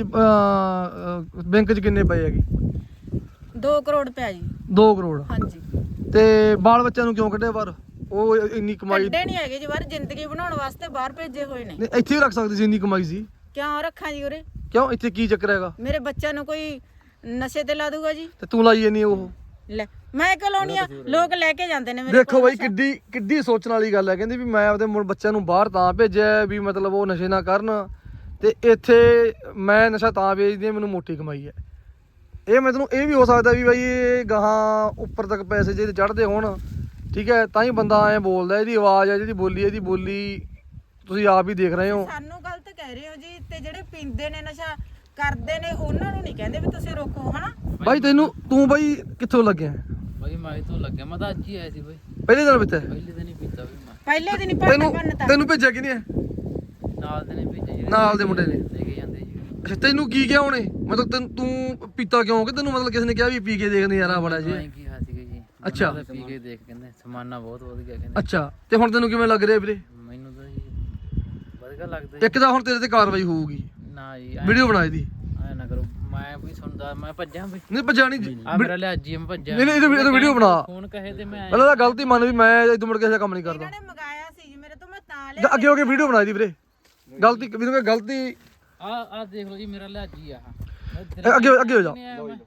S2: ਬੈਂਕ 'ਚ ਕਿੰਨੇ ਪਏ ਹੈਗੇ?
S1: 2 ਕਰੋੜ ਪਿਆ ਜੀ।
S2: 2 ਕਰੋੜ।
S1: ਹਾਂਜੀ।
S2: ਤੇ ਬਾਲ ਬੱਚਿਆਂ ਨੂੰ ਕਿਉਂ ਕੱਢਿਆ ਬਾਹਰ? ਉਹ ਇੰਨੀ ਕਮਾਈ
S1: ਕੱਢੇ ਨਹੀਂ ਹੈਗੇ ਜੀ ਬਾਹਰ, ਜ਼ਿੰਦਗੀ ਬਣਾਉਣ ਵਾਸਤੇ ਬਾਹਰ ਭੇਜੇ ਹੋਏ ਨੇ।
S2: ਨਹੀਂ ਇੱਥੇ ਵੀ ਰੱਖ ਸਕਦੇ ਸੀ, ਇੰਨੀ ਕਮਾਈ ਸੀ।
S1: ਕਿਉਂ ਰੱਖਾਂ ਜੀ ਉਰੇ?
S2: ਕਿਉਂ ਇੱਥੇ ਕੀ ਚੱਕਰ ਹੈਗਾ?
S1: ਮੇਰੇ ਬੱਚਿਆਂ ਨੂੰ ਕੋਈ ਨਸ਼ੇ ਤੇ ਲਾ ਦੂਗਾ ਜੀ?
S2: ਤੇ ਤੂੰ ਲਾਈ ਜਾਨੀ ਉਹ?
S1: ਲੈ ਮੈਂ ਕਿਉਂ ਲਾਉਣੀ ਆ? ਲੋਕ ਲੈ ਕੇ ਜਾਂਦੇ ਨੇ ਮੇਰੇ
S2: ਦੇਖੋ ਬਾਈ ਕਿੱਡੀ ਸੋਚਣ ਵਾਲੀ ਗੱਲ ਹੈ। ਕਹਿੰਦੀ ਵੀ ਮੈਂ ਆਪਦੇ ਬੱਚਿਆਂ ਨੂੰ ਬਾਹਰ ਤਾਂ ਭੇਜਿਆ ਵੀ ਮਤਲਬ ਉਹ ਨਸ਼ੇ ਨਾ ਕਰਨ, ਤੇ ਇੱਥੇ ਮੈਂ ਨਸ਼ਾ ਤਾਂ ਵੇਚਦੀ ਹਾਂ, ਮੈਨੂੰ ਮੋਟੀ ਕਮਾਈ ਹੈ। ਇਹ ਮੈਂ ਤੈਨੂੰ ਇਹ ਵੀ ਹੋ ਸਕਦਾ ਵੀ ਬਾਈ ਇਹ ਗਾਹਾਂ ਉੱਪਰ ਤੱਕ ਪੈਸੇ ਜੇ ਚੜ੍ਹਦੇ ਹੋਣ ਠੀਕ ਹੈ ਤਾਂ ਹੀ ਬੰਦਾ ਐਂ ਬੋਲਦਾ। ਇਹਦੀ ਆਵਾਜ਼ ਹੈ, ਇਹਦੀ ਬੋਲੀ ਤੁਸੀਂ ਆਪ ਹੀ ਦੇਖ ਰਹੇ ਹੋ।
S1: ਸਾਨੂੰ ਗਲਤ ਕਹਿ ਰਹੇ ਹੋ ਜੀ। ਤੇ ਜਿਹੜੇ ਪੀਂਦੇ ਨੇ ਨਸ਼ਾ ਕਰਦੇ ਨੇ ਉਹਨਾਂ ਨੂੰ ਨਹੀਂ ਕਹਿੰਦੇ ਵੀ ਤੁਸੀਂ ਰੋਕੋ, ਹਨਾ?
S2: ਬਾਈ ਤੂੰ ਬਾਈ ਕਿੱਥੋਂ ਲੱਗਿਆ?
S4: ਬਾਈ ਮੈਂ ਤੋਂ ਲੱਗਿਆ, ਮੈਂ ਤਾਂ ਅੱਜ ਹੀ ਆਇਆ ਸੀ ਬਾਈ।
S2: ਪਹਿਲੇ ਦਿਨ ਵਿੱਚ
S4: ਪਹਿਲੇ ਦਿਨ ਹੀ ਪੀਤਾ ਵੀ ਮੈਂ।
S1: ਪਹਿਲੇ ਦਿਨ ਹੀ
S2: ਤੈਨੂੰ ਤੈਨੂੰ ਭੇਜਿਆ ਕਿਹਨੇ ਹੈ?
S4: ਨਾਲ ਦੇ ਨੇ ਭੇਜਿਆ ਜੀ,
S2: ਨਾਲ ਦੇ ਮੁੰਡੇ ਨੇ
S4: ਲੈ ਕੇ ਜਾਂਦੇ ਜੀ।
S2: ਅੱਛਾ ਤੈਨੂੰ ਕੀ ਕਿਹਾ ਉਹਨੇ? ਮਤਲਬ ਤੂੰ ਪੀਤਾ ਕਿਉਂ? ਕਿ ਤੈਨੂੰ ਮਤਲਬ ਕਿਸੇ ਨੇ ਕਿਹਾ ਵੀ ਪੀ ਕੇ ਦੇਖ ਨਜ਼ਾਰਾ ਬੜਾ ਜੀ?
S4: ਮੈਂ ਕੀ ਸੀਗਾ ਜੀ।
S2: ਅੱਛਾ।
S4: ਮੈਂ ਤਾਂ ਪੀ ਕੇ ਦੇਖ ਕਹਿੰਦੇ ਸਮਾਨਾ ਬਹੁਤ ਵਧੀਆ ਕਹਿੰਦੇ।
S2: ਅੱਛਾ ਤੇ ਹੁਣ ਤੈਨੂੰ ਕਿਵੇਂ ਲੱਗ ਰਿਹਾ ਵੀਰੇ?
S4: ਮੈਨੂੰ ਤਾਂ ਜੀ ਵਧੀਆ ਲੱਗਦਾ ਜੀ।
S2: ਇੱਕ ਤਾਂ ਹੁਣ ਤੇਰੇ ਤੇ ਕਾਰਵਾਈ ਹੋਊਗੀ,
S4: ਨਾ ਜੀ
S2: ਵੀਡੀਓ ਬਣਾ ਇਹਦੀ।
S4: ਐ ਨਾ ਕਰੋ, ਮੈਂ ਵੀ ਸੁਣਦਾ ਮੈਂ ਭੱਜਾਂ ਬਈ
S2: ਨਹੀਂ ਭਜਾਣੀ ਜੀ
S4: ਆ ਮੇਰਾ ਲਿਆਜੀ ਮੈਂ ਭੱਜਾਂ
S2: ਨਹੀਂ ਇਹਦੀ ਵੀਡੀਓ ਬਣਾ
S4: ਫੋਨ ਕਹੇ ਤੇ ਮੈਂ
S2: ਪਹਿਲਾਂ ਤਾਂ ਗਲਤੀ ਮੰਨ ਵੀ ਮੈਂ ਇਦੋਂ ਮੁੜ ਕੇ ਇਹ ਕੰਮ ਨਹੀਂ ਕਰਦਾ
S1: ਇਹਨਾਂ ਨੇ ਮੰਗਾਇਆ ਸੀ ਜੀ ਮੇਰੇ ਤੋਂ, ਮੈਂ ਤਾਂ ਲਿਆ।
S2: ਅੱਗੇ ਹੋ ਕੇ ਵੀਡੀਓ ਬਣਾਈ ਦੀ ਵੀਰੇ ਗਲਤੀ ਵੀਰੇ ਗਲਤੀ
S4: ਆ ਦੇਖ ਲਓ ਜੀ ਮੇਰਾ ਲਿਆਜੀ ਆ
S2: ਅੱਗੇ ਹੋ ਜਾ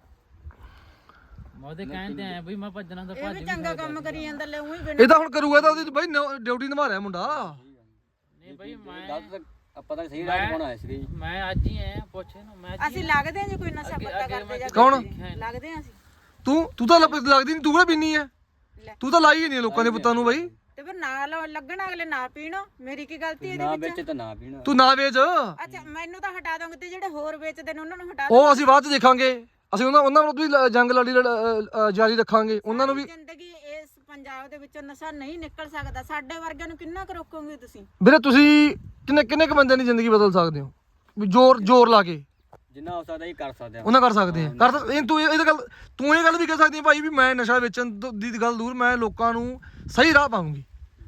S4: ਮੈਂ ਉਹਦੇ ਕਹਿਣ ਤੇ ਆਇਆ ਬਈ ਮੈਂ ਭੱਜਣਾ ਤਾਂ
S1: ਇਹ
S4: ਭੱਜ
S1: ਵੀ
S4: ਵੀ
S1: ਚੰਗਾ ਕੰਮ ਕਰੀ ਜਾਂਦਾ ਲੈ ਉਹੀ ਬਿਨ
S2: ਇਹ ਤਾਂ ਹੁਣ ਕਰੂਗਾ ਤਾਂ ਉਹਦੀ ਬਾਈ ਡਿਊਟੀ ਨਿਭਾ ਰਿਹਾ ਮੁੰਡਾ
S4: ਨਹੀਂ ਬਈ ਮੈਂ
S3: ਗਲਤ ਆਪਾਂ ਤਾਂ ਸਹੀ ਰਾਹ ਪਾਉਣਾ ਸੀ ਜੀ।
S4: ਮੈਂ ਅੱਜ ਹੀ ਆਇਆ ਪੁੱਛੇ ਨੂੰ ਮੈਂ
S1: ਅਸੀਂ ਲੱਗਦੇ ਹਾਂ ਜੀ ਕੋਈ ਨਸ਼ਾ ਪੱਤਾ ਕਰਦੇ ਜਾਂ
S2: ਕੌਣ?
S1: ਲੱਗਦੇ ਹਾਂ ਅਸੀਂ।
S2: ਤੂੰ ਤਾਂ ਲੱਗਦੀ ਨਹੀਂ ਤੂੰ ਕਿਹੜਾ ਪੀਨੀ ਐ
S1: ਲੈ।
S2: ਤੂੰ ਤਾਂ ਲਾਈ ਹੀ ਨਹੀਂ ਲੋਕਾਂ ਦੇ ਪੁੱਤਾਂ ਨੂੰ ਬਾਈ
S1: ਤੇ ਫਿਰ ਨਾ ਲੱਗਣ ਅਗਲੇ ਨਾ ਪੀਣ, ਮੇਰੀ ਕੀ ਗਲਤੀ ਇਹਦੇ
S3: ਨਾ
S1: ਵਿੱਚ?
S3: ਵਿੱਚ ਤਾਂ ਨਾ ਪੀਣਾ।
S2: ਤੂੰ ਨਾ ਵੇਚ
S1: ਅੱਛਾ ਮੈਨੂੰ ਤਾਂ ਹਟਾ ਦੋਗੇ ਤੇ ਜਿਹੜੇ ਹੋਰ ਵੇਚਦੇ ਨੇ ਉਹਨਾਂ ਨੂੰ ਹਟਾ
S2: ਉਹ ਅਸੀਂ ਬਾਅਦ ਚ ਦੇਖਾਂਗੇ ਅਸੀਂ ਉਹਨਾਂ ਨੂੰ ਵੀ ਜੰਗ ਲੜੀ ਜਾਰੀ ਰੱਖਾਂਗੇ ਉਹਨਾਂ ਨੂੰ ਵੀ
S1: ਜ਼ਿੰਦਗੀ ਇਸ ਪੰਜਾਬ ਦੇ ਵਿੱਚੋਂ ਨਸ਼ਾ ਨਹੀਂ ਨਿਕਲ ਸਕਦਾ। ਸਾਡੇ ਵਰਗਿਆਂ ਨੂੰ ਕਿੰਨਾ ਕੁ ਰੋਕੋਗੇ ਤੁਸੀਂ?
S2: ਵੀਰੇ ਤੁਸੀਂ ਕਿੰਨੇ ਕੁ ਬੰਦਿਆਂ ਦੀ ਜ਼ਿੰਦਗੀ ਬਦਲ ਸਕਦੇ ਹੋ ਵੀ ਜ਼ੋਰ ਲਾ ਕੇ
S3: ਜਿੰਨਾ ਹੋ ਸਕਦਾ ਹੀ ਕਰ ਸਕਦੇ ਆ।
S2: ਉਹਨਾਂ ਕਰ ਸਕਦੇ ਆ ਤੂੰ ਇਹ ਗੱਲ ਵੀ ਕਹਿ ਸਕਦੀ ਹੈ ਭਾਈ ਵੀ ਮੈਂ ਨਸ਼ਾ ਵੇਚਣ ਦੀ ਗੱਲ ਦੂਰ ਮੈਂ ਲੋਕਾਂ ਨੂੰ ਸਹੀ ਰਾਹ ਪਾਉਂਗੀ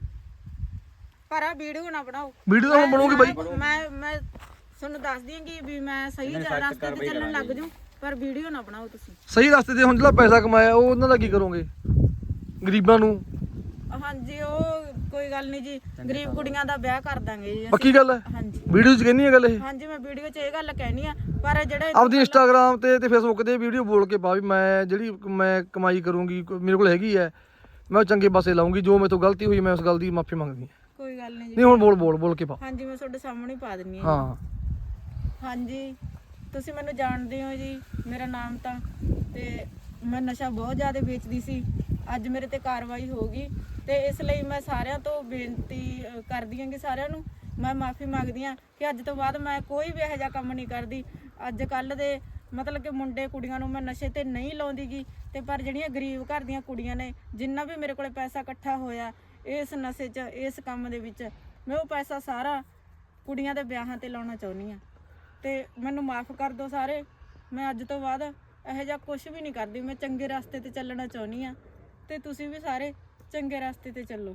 S1: ਪਰ ਆ ਵੀਡੀਓ ਨਾ ਬਣਾਓ।
S2: ਵੀਡੀਓ ਤਾਂ ਹੁਣ ਬਣੂਗੀ ਬਾਈ
S1: ਮੈਂ ਤੁਹਾਨੂੰ ਦੱਸਦੀ ਹਾਂ ਕਿ ਵੀ ਮੈਂ ਸਹੀ ਰਸਤੇ ਤੇ ਚੱਲਣ ਲੱਗ ਜੂ, ਪਰ ਵੀਡੀਓ ਨਾ ਬਣਾਓ ਤੁਸੀਂ।
S2: ਸਹੀ ਰਸਤੇ ਤੇ ਹੁਣ ਜਿਹੜਾ ਪੈਸਾ ਕਮਾਇਆ ਉਹ ਉਹਨਾਂ ਦਾ ਕੀ ਕਰੋਗੇ ਗਰੀਬਾਂ ਨੂੰ?
S1: ਹਾਂਜੀ ਉਹ ਕੋਈ ਗੱਲ ਨਹੀਂ ਜੀ, ਗਰੀਬ ਕੁੜੀਆਂ ਦਾ ਵਿਆਹ ਕਰ ਦਾਂਗੇ ਜੀ ਅਸੀਂ।
S2: ਪੱਕੀ ਗੱਲ ਹੈ
S1: ਹਾਂਜੀ
S2: ਵੀਡੀਓ 'ਚ ਕਹਿੰਦੀ ਹੈ ਗੱਲ ਇਹ
S1: ਹਾਂਜੀ ਮੈਂ ਵੀਡੀਓ 'ਚ ਇਹ ਗੱਲ ਕਹਿਣੀ ਆ, ਪਰ ਜਿਹੜੇ
S2: ਆਪਦੀ ਇੰਸਟਾਗ੍ਰਾਮ ਤੇ ਫੇਸਬੁੱਕ ਤੇ ਵੀਡੀਓ ਬੋਲ ਕੇ ਪਾ ਵੀ ਮੈਂ ਜਿਹੜੀ ਮੈਂ ਕਮਾਈ ਕਰੂੰਗੀ ਮੇਰੇ ਕੋਲ ਹੈਗੀ ਹੈ ਮੈਂ ਉਹ ਚੰਗੇ ਪਾਸੇ ਲਾਉਂਗੀ ਜੋ ਮੇਰੇ ਤੋਂ ਗਲਤੀ ਹੋਈ ਮੈਂ ਉਸ ਗੱਲ ਦੀ ਮਾਫੀ ਮੰਗਦੀ ਹਾਂ।
S1: ਕੋਈ ਗੱਲ ਨਹੀਂ ਜੀ।
S2: ਨਹੀਂ ਹੁਣ ਬੋਲ ਕੇ ਪਾ।
S1: ਹਾਂਜੀ ਮੈਂ ਤੁਹਾਡੇ ਸਾਹਮਣੇ ਪਾ ਦਿੰਨੀ ਆ।
S2: ਹਾਂ
S1: ਹਾਂਜੀ ਤੁਸੀਂ ਮੈਨੂੰ ਜਾਣਦੇ ਹੋ ਜੀ, ਮੇਰਾ ਨਾਮ ਤਾਂ ਤੇ ਮੈਂ ਨਸ਼ਾ ਬਹੁਤ ਜ਼ਿਆਦਾ ਵੇਚਦੀ ਸੀ। ਅੱਜ ਮੇਰੇ ਤੇ ਕਾਰਵਾਈ ਹੋ ਗਈ ਤੇ ਇਸ ਲਈ ਮੈਂ ਸਾਰਿਆਂ ਤੋਂ ਬੇਨਤੀ ਕਰਦੀ ਹਾਂ ਕਿ ਸਾਰਿਆਂ ਨੂੰ ਮੈਂ ਮਾਫੀ ਮੰਗਦੀ ਹਾਂ ਕਿ ਅੱਜ ਤੋਂ ਬਾਅਦ ਮੈਂ ਕੋਈ ਵੀ ਇਹੋ ਜਿਹਾ ਕੰਮ ਨਹੀਂ ਕਰਦੀ। ਅੱਜ ਕੱਲ ਦੇ ਮਤਲਬ ਕਿ ਮੁੰਡੇ ਕੁੜੀਆਂ ਨੂੰ ਮੈਂ ਨਸ਼ੇ ਤੇ ਨਹੀਂ ਲਾਉਂਦੀਗੀ ਤੇ ਪਰ ਜਿਹੜੀਆਂ ਗਰੀਬ ਘਰ ਦੀਆਂ ਕੁੜੀਆਂ ਨੇ ਜਿੰਨਾ ਵੀ ਮੇਰੇ ਕੋਲੇ ਪੈਸਾ ਇਕੱਠਾ ਹੋਇਆ ਇਸ ਨਸ਼ੇ 'ਚ ਇਸ ਕੰਮ ਦੇ ਵਿੱਚ ਮੈਂ ਉਹ ਪੈਸਾ ਸਾਰਾ ਕੁੜੀਆਂ ਦੇ ਵਿਆਹਾਂ ਤੇ ਲਾਉਣਾ ਚਾਹੁੰਦੀ ਹਾਂ ਤੇ ਮੈਨੂੰ ਮਾਫ ਕਰ ਦਿਓ ਸਾਰੇ। ਮੈਂ ਅੱਜ ਤੋਂ ਬਾਅਦ ਇਹੋ ਜਿਹਾ ਕੁਝ ਵੀ ਨਹੀਂ ਕਰਦੀ। ਮੈਂ ਚੰਗੇ ਰਸਤੇ ਤੇ ਚੱਲਣਾ ਚਾਹੁੰਦੀ ਹਾਂ ਤੇ ਤੁਸੀਂ ਵੀ ਸਾਰੇ ਚੰਗੇ ਰਸਤੇ ਤੇ ਚੱਲੋ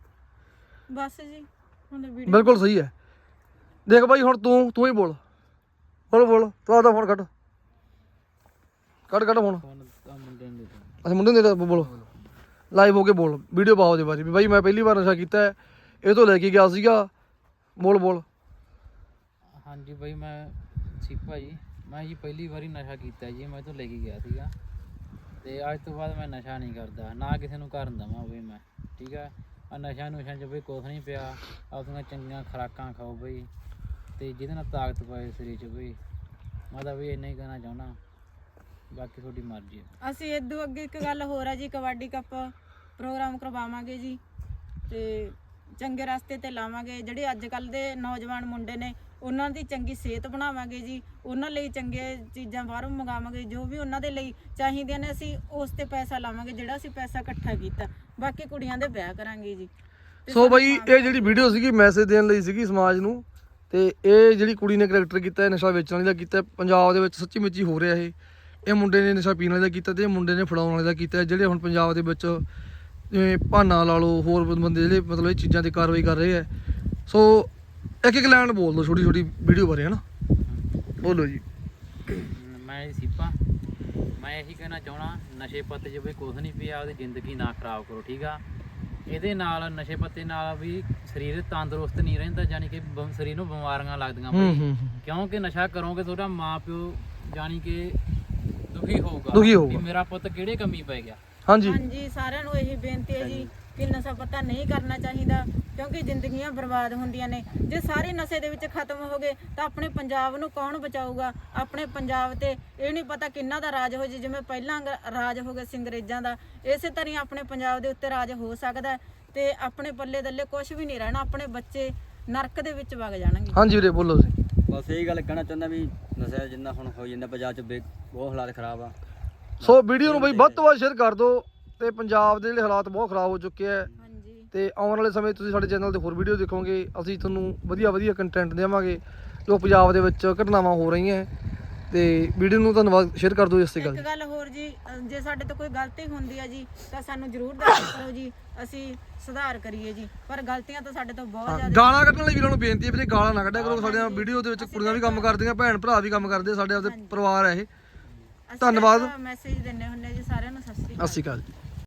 S1: ਬਸ ਜੀ। ਹੁਣ ਵੀਡੀਓ
S2: ਬਿਲਕੁਲ ਸਹੀ ਹੈ। ਦੇਖ ਬਾਈ ਹੁਣ ਤੂੰ ਹੀ ਬੋਲ ਤੂੰ ਆਦਾ ਫੋਨ ਕੱਢ ਫੋਨ
S4: ਮੁੰਡੇ ਨੂੰ ਦੇ
S2: ਅਸੀਂ ਮੁੰਡੇ ਦੇ ਬੋਲੋ ਲਾਈਵ ਹੋ ਕੇ ਬੋਲ ਵੀਡੀਓ ਪਾਓ ਦੇ ਬਾਰੇ ਵੀ ਬਾਈ ਮੈਂ ਪਹਿਲੀ ਵਾਰ ਨਸ਼ਾ ਕੀਤਾ ਹੈ ਇਹ ਤੋਂ ਲੈ ਕੇ ਗਿਆ ਸੀਗਾ ਬੋਲ।
S4: ਹਾਂਜੀ ਬਈ ਮੈਂ ਸੀਪਾ ਜੀ, ਮੈਂ ਜੀ ਪਹਿਲੀ ਵਾਰੀ ਨਸ਼ਾ ਕੀਤਾ ਜੀ, ਮੈਂ ਤੋਂ ਲੈ ਕੇ ਗਿਆ ਸੀਗਾ ਤੇ ਅੱਜ ਤੋਂ ਬਾਅਦ ਮੈਂ ਨਸ਼ਾ ਨਹੀਂ ਕਰਦਾ ਨਾ ਕਿਸੇ ਨੂੰ ਕਰਨ ਦਵਾਂ ਬਈ ਮੈਂ, ਠੀਕ ਆ। ਆ ਨਸ਼ਾ ਚ ਬਈ ਕੁਛ ਨਹੀਂ ਪਿਆ, ਆਪਣੀਆਂ ਚੰਗੀਆਂ ਖੁਰਾਕਾਂ ਖਾਓ ਬਈ ਤੇ ਜਿਹਦੇ ਨਾਲ ਤਾਕਤ ਪਾਏ ਸਰੀਰ 'ਚ ਬਈ। ਮੈਂ ਤਾਂ ਬਈ ਇੰਨਾ ਹੀ ਕਹਿਣਾ ਚਾਹੁੰਦਾ, ਬਾਕੀ ਤੁਹਾਡੀ ਮਰਜ਼ੀ ਹੈ।
S1: ਅਸੀਂ ਇਦੋਂ ਅੱਗੇ ਇੱਕ ਗੱਲ ਹੋਰ ਆ ਜੀ, ਕਬੱਡੀ ਕੱਪ ਪ੍ਰੋਗਰਾਮ ਕਰਵਾਵਾਂਗੇ ਜੀ ਤੇ ਚੰਗੇ ਰਸਤੇ ਤੇ ਲਾਵਾਂਗੇ। ਜਿਹੜੇ ਅੱਜ ਕੱਲ ਦੇ ਨੌਜਵਾਨ ਮੁੰਡੇ ਨੇ ਉਹਨਾਂ ਦੀ ਚੰਗੀ ਸਿਹਤ ਬਣਾਵਾਂਗੇ ਜੀ, ਉਹਨਾਂ ਲਈ ਚੰਗੇ ਚੀਜ਼ਾਂ ਬਾਹਰੋਂ ਮੰਗਾਵਾਂਗੇ ਜੋ ਵੀ ਉਹਨਾਂ ਦੇ ਲਈ ਚਾਹੀਦੀਆਂ ਨੇ ਅਸੀਂ ਉਸ ਤੇ ਪੈਸਾ ਲਾਵਾਂਗੇ ਜਿਹੜਾ ਅਸੀਂ ਪੈਸਾ ਇਕੱਠਾ ਕੀਤਾ। ਬਾਕੀ ਕੁੜੀਆਂ ਦੇ ਵਿਆਹ ਕਰਾਂਗੇ ਜੀ।
S2: ਸੋ ਬਾਈ ਇਹ ਜਿਹੜੀ ਵੀਡੀਓ ਸੀਗੀ ਮੈਸੇਜ ਦੇਣ ਲਈ ਸੀਗੀ ਸਮਾਜ ਨੂੰ ਤੇ ਇਹ ਜਿਹੜੀ ਕੁੜੀ ਨੇ ਕਰੈਕਟਰ ਕੀਤਾ ਨਸ਼ਾ ਵੇਚਣ ਵਾਲੀ ਦਾ ਕੀਤਾ ਪੰਜਾਬ ਦੇ ਵਿੱਚ ਸੱਚੀ ਮੁੱਚੀ ਹੋ ਰਿਹਾ ਇਹ ਮੁੰਡੇ ਨੇ ਨਸ਼ਾ ਪੀਣ ਵਾਲੇ ਦਾ ਕੀਤਾ ਤੇ ਇਹ ਮੁੰਡੇ ਨੇ ਫੜਾਉਣ ਵਾਲੇ ਦਾ ਕੀਤਾ। ਜਿਹੜੇ ਹੁਣ ਪੰਜਾਬ ਦੇ ਵਿੱਚ ਜਿਵੇਂ ਭਾਨਾ ਲਾ ਲਓ ਹੋਰ ਬੰਦੇ ਜਿਹੜੇ ਮਤਲਬ ਇਹ ਚੀਜ਼ਾਂ ਤੇ ਕਾਰਵਾਈ ਕਰ ਰਹੇ ਆ। ਸੋ ਇੱਕ ਲਾਈਨ ਬੋਲ ਦਿਓ ਛੋਟੀ ਵੀਡੀਓ ਬਾਰੇ ਹਨਾ ਬੋਲੋ ਜੀ।
S4: ਮੈਂ ਸੀਪਾ, ਮੈਂ ਇਹੀ ਕਹਿਣਾ ਚਾਹਣਾ ਨਸ਼ੇ ਪੱਤੇ 'ਚ ਬਈ ਕੁਛ ਨਹੀਂ ਪਿਆ, ਉਹਦੀ ਜ਼ਿੰਦਗੀ ਨਾ ਖਰਾਬ ਕਰੋ, ਠੀਕ ਆ। ਇਹਦੇ ਨਾਲ ਨਸ਼ੇ ਪੱਤੇ ਨਾਲ ਵੀ ਸਰੀਰ ਤੰਦਰੁਸਤ ਨਹੀਂ ਰਹਿੰਦਾ, ਯਾਨੀ ਕਿ ਸਰੀਰ ਨੂੰ ਬਿਮਾਰੀਆਂ ਲੱਗਦੀਆਂ ਬਈ। ਕਿਉਂਕਿ ਨਸ਼ਾ ਕਰੋਗੇ ਤੁਹਾਡਾ ਮਾਂ ਪਿਓ ਯਾਨੀ ਕਿ ਦੁਖੀ ਹੋਊਗਾ ਵੀ ਮੇਰਾ ਪੁੱਤ ਕਿਹੜੇ ਕੰਮੀ ਪੈ ਗਿਆ।
S1: ਹਾਂਜੀ ਸਾਰਿਆਂ ਨੂੰ ਇਹੀ ਬੇਨਤੀ ਹੈ ਜੀ ਕਿ ਨਸ਼ਾ ਪੱਤਾ ਨਹੀਂ ਕਰਨਾ ਚਾਹੀਦਾ ਕਿਉਂਕਿ ਜ਼ਿੰਦਗੀਆਂ ਬਰਬਾਦ ਹੁੰਦੀਆਂ ਨੇ। ਜੇ ਸਾਰੇ ਨਸ਼ੇ ਦੇ ਵਿੱਚ ਖਤਮ ਹੋ ਗਏ ਤਾਂ ਆਪਣੇ ਪੰਜਾਬ ਨੂੰ ਕੌਣ ਬਚਾਊਗਾ? ਆਪਣੇ ਪੰਜਾਬ ਤੇ ਇਹ ਨਹੀਂ ਪਤਾ ਕਿੰਨਾ ਦਾ ਰਾਜ ਹੋ ਜੇ, ਜਿਵੇਂ ਪਹਿਲਾਂ ਰਾਜ ਹੋ ਗਿਆ ਸੀ ਅੰਗਰੇਜ਼ਾਂ ਦਾ, ਇਸੇ ਤਰ੍ਹਾਂ ਆਪਣੇ ਪੰਜਾਬ ਦੇ ਉੱਤੇ ਰਾਜ ਹੋ ਸਕਦਾ ਤੇ ਆਪਣੇ ਪੱਲੇ ਦੱਲੇ ਕੁਝ ਵੀ ਨਹੀਂ ਰਹਿਣਾ, ਆਪਣੇ ਬੱਚੇ ਨਰਕ ਦੇ ਵਿੱਚ ਵਗ ਜਾਣਗੇ।
S2: ਹਾਂਜੀ ਵੀਰੇ ਬੋਲੋ ਤੁਸੀਂ।
S3: ਬਸ ਇਹੀ ਗੱਲ ਕਹਿਣਾ ਚਾਹੁੰਦਾ ਵੀ ਨਸ਼ਾ ਜਿੰਨਾ ਹੁਣ ਹੋ ਜਾਂਦਾ ਪੰਜਾਬ 'ਚ ਬਹੁਤ ਹਾਲਾਤ ਖਰਾਬ ਆ।
S2: ਸੋ ਵੀਡੀਓ ਨੂੰ ਬਈ ਵੱਧ ਤੋਂ ਵੱਧ ਸ਼ੇਅਰ ਕਰ ਦਿਓ ਤੇ ਪੰਜਾਬ ਦੇ ਜਿਹੜੇ ਹਾਲਾਤ ਬਹੁਤ ਖਰਾਬ ਹੋ ਚੁੱਕੇ ਆ ਤੇ ਆਉਣ ਵਾਲੇ ਸਮੇਂ ਤੁਸੀਂ ਸਾਡੇ ਚੈਨਲ ਤੇ ਹੋਰ ਵੀਡੀਓ ਦੇਖੋਗੇ। ਅਸੀਂ ਤੁਹਾਨੂੰ ਵਧੀਆ ਕੰਟੈਂਟ ਦੇਵਾਂਗੇ ਜੋ ਪੰਜਾਬ ਦੇ ਵਿੱਚ ਘਟਨਾਵਾਂ ਹੋ ਰਹੀਆਂ ਤੇ ਵੀਡੀਓ ਨੂੰ ਧੰਨਵਾਦ ਸ਼ੇਅਰ ਕਰ ਦਿਓ ਇਸ ਤੇ ਗੱਲ।
S1: ਇੱਕ ਗੱਲ ਹੋਰ ਜੀ, ਜੇ ਸਾਡੇ ਤੋਂ ਕੋਈ ਗਲਤੀ ਹੁੰਦੀ ਹੈ ਜੀ ਤਾਂ ਸਾਨੂੰ ਜ਼ਰੂਰ ਦੱਸੋ ਕਰੋ ਜੀ, ਅਸੀਂ ਸੁਧਾਰ ਕਰੀਏ ਜੀ। ਪਰ ਗਲਤੀਆਂ ਤਾਂ ਸਾਡੇ ਤੋਂ ਬਹੁਤ ਜ਼ਿਆਦਾ।
S2: ਗਾਲਾਂ ਕੱਢਣ ਲਈ ਵੀਰਾਂ ਨੂੰ ਬੇਨਤੀ ਹੈ ਵੀਰੇ, ਗਾਲਾਂ ਨਾ ਕੱਢਿਆ ਕਰੋ। ਸਾਡੇ ਵੀਡੀਓ ਦੇ ਵਿੱਚ ਕੁੜੀਆਂ ਵੀ ਕੰਮ ਕਰਦੀਆਂ, ਭੈਣ ਭਰਾ ਵੀ ਕੰਮ ਕਰਦੇ, ਸਾਡੇ ਆਪਦੇ ਪਰਿਵਾਰ ਹੈ ਇਹ। ਧੰਨਵਾਦ।
S1: ਮੈਸੇਜ ਦਿੰਦੇ ਹੁੰਦੇ ਜੀ ਸਾਰਿਆਂ ਨੂੰ। ਸਤਿ ਸ਼੍ਰੀ ਅਕਾਲ।
S2: ਸਤਿ ਸ਼੍ਰੀ ਅਕਾਲ ਜੀ।